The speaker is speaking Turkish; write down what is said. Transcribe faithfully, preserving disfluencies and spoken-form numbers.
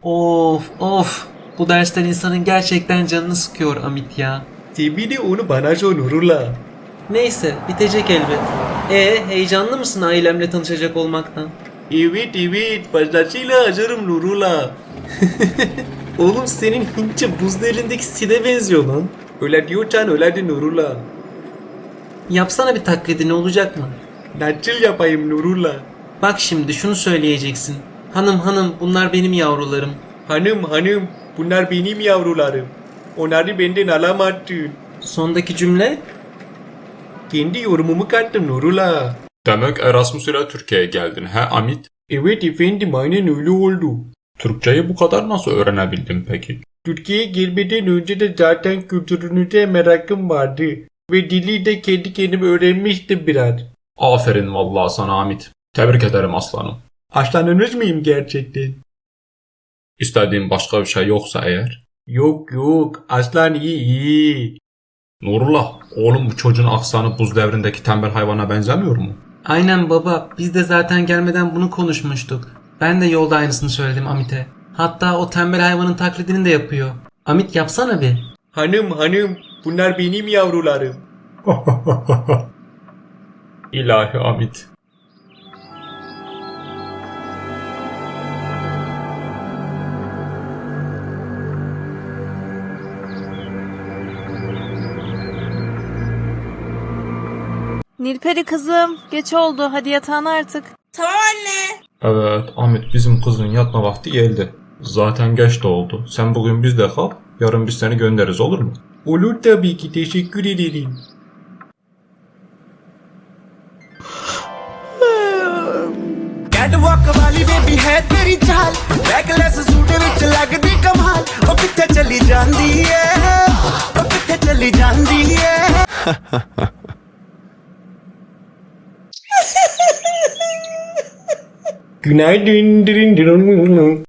Of of. Bu dersler insanın gerçekten canını sıkıyor Amit ya. Tabii de onu bana sor Nurullah. Neyse bitecek elbet. E heyecanlı mısın ailemle tanışacak olmaktan? Evet evet fazlasıyla hazırım Nurullah. Oğlum senin Hintçe buzlu elindeki Sid'e benziyor lan. Öyle diyorsan öyle de Nurullah. Yapsana bir taklidi, ne olacak mı? Nasıl yapayım Nurullah? Bak şimdi şunu söyleyeceksin. Hanım hanım bunlar benim yavrularım. Hanım hanım bunlar benim yavrularım. Onları benden alamazsın. Sondaki cümle? Kendi yorumumu kattım Nurullah. Demek Erasmus ile Türkiye'ye geldin he Amit? Evet efendim aynen öyle oldu. Türkçeyi bu kadar nasıl öğrenebildin peki? Türkiye'ye gelmeden önce de zaten kültürünüze merakım vardı. Ve dili de kendi kendime öğrenmiştim biraz. Aferin vallahi sana Amit. Tebrik ederim aslanım. Aslanınız mıyım gerçekten? İstediğin başka bir şey yoksa eğer. Yok yok aslan iyi iyi. Nurullah, oğlum bu çocuğun aksanı buz devrindeki tembel hayvana benzemiyor mu? Aynen baba, biz de zaten gelmeden bunu konuşmuştuk. Ben de yolda aynısını söyledim Amit'e. Hatta o tembel hayvanın taklidini de yapıyor. Amit yapsana bir. Hanım hanım bunlar benim yavrularım. İlahi Amit. Nilperi kızım, geç oldu. Hadi yatağına artık. Tamam anne. Evet Amit, bizim kızın yatma vakti geldi. Zaten geç de oldu. Sen bugün bizde kal, yarın biz seni göndeririz, olur mu? Olur tabii ki teşekkür ederim. Catwalk वाली baby है तेरी चाल backless suit विच लगदी कमाल ओ किथे चली जांदी है ओ किथे चली जांदी है Günaydın.